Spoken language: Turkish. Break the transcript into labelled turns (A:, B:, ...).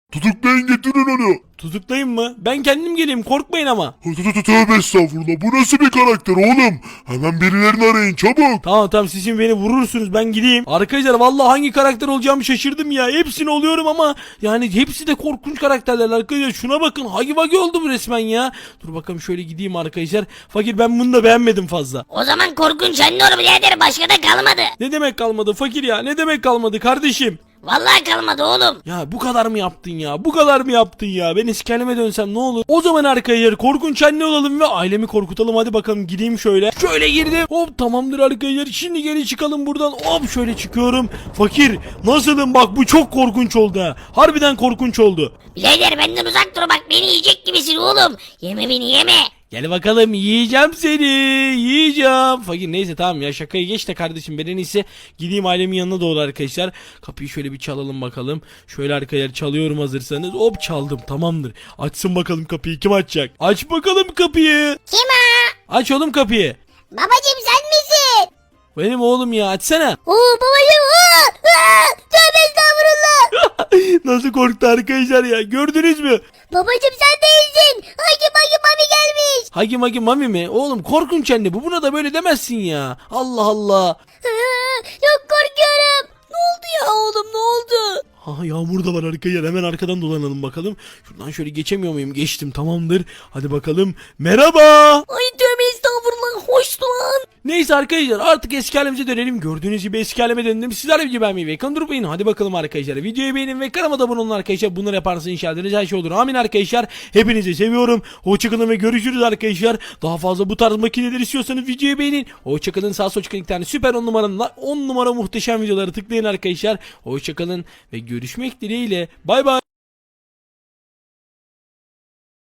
A: Tutuklayın getirin onu.
B: Tutuklayayım mı? Ben kendim geleyim, korkmayın ama.
A: Tövbe estağfurullah. Bu nasıl bir karakter oğlum? Hemen birilerini arayın çabuk.
B: Tamam siz şimdi beni vurursunuz, ben gideyim. Arkadaşlar vallahi hangi karakter olacağımı şaşırdım ya. Hepsini oluyorum ama yani hepsi de korkunç karakterler arkadaşlar. Şuna bakın, Hagi Vagi oldu bu resmen ya. Dur bakalım şöyle gideyim arkadaşlar. Fakir, ben bunu da beğenmedim fazla.
C: O zaman korkunç anne olur birader, başka da kalmadı.
B: Ne demek kalmadı fakir ya, ne demek kalmadı kardeşim?
C: Vallahi kalmadı oğlum.
B: Ya bu kadar mı yaptın ya? Bu kadar mı yaptın ya? Ben eski halime dönsem ne olur? O zaman arkadaşlar korkunç anne olalım ve ailemi korkutalım. Hadi bakalım gideyim şöyle. Şöyle girdim. Hop tamamdır arkadaşlar. Şimdi geri çıkalım buradan. Hop şöyle çıkıyorum. Fakir nasılım, bak bu çok korkunç oldu ha. Harbiden korkunç oldu.
C: Birader benden uzak dur bak, beni yiyecek gibisin oğlum. Yeme beni yeme.
B: Gel bakalım, yiyeceğim seni, yiyeceğim. Fakir neyse tamam ya, şakayı geç de kardeşim, ben en iyisi gideyim ailemin yanına doğru arkadaşlar. Kapıyı şöyle bir çalalım bakalım. Şöyle arkadaşlar çalıyorum, hazırsanız. Hop çaldım, tamamdır. Açsın bakalım kapıyı, kim açacak? Aç bakalım kapıyı.
C: Kim o?
B: Aç oğlum kapıyı.
C: Babacım sen misin?
B: Benim oğlum ya, açsana.
C: Oo babacım. Tövbe estağfurullah.
B: Nasıl korktu arkadaşlar ya, gördünüz mü?
C: Babacım sen değilsin. Hagi mami gelmiş.
B: Hagi Magi Mami mi? Oğlum korkunç anne bu, buna da böyle demezsin ya. Allah Allah.
C: Çok korkuyorum. Ne oldu ya oğlum, ne oldu?
B: Ha, yağmur da var arkadaşlar, hemen arkadan dolanalım bakalım. Şuradan şöyle geçemiyor muyum? Geçtim, tamamdır. Hadi bakalım. Merhaba.
C: Ay tövbe estağfurullah, hoş lan.
B: Neyse arkadaşlar artık eski halimize dönelim. Gördüğünüz gibi eski halime döndüm. Sizler gibi beğenmeyi ve ekranı durmayın. Hadi bakalım arkadaşlar. Videoyu beğenin ve kanalıma da abone olun arkadaşlar. Bunları yaparsanız inşallah her şey olur. Amin arkadaşlar. Hepinizi seviyorum. Hoşçakalın ve görüşürüz arkadaşlar. Daha fazla bu tarz makineler istiyorsanız videoyu beğenin. Hoşçakalın. Sağ sol çıkan iki tane süper 10 numaranın 10 numara muhteşem videoları tıklayın arkadaşlar. Hoşçakalın ve görüşmek dileğiyle. Bay bay.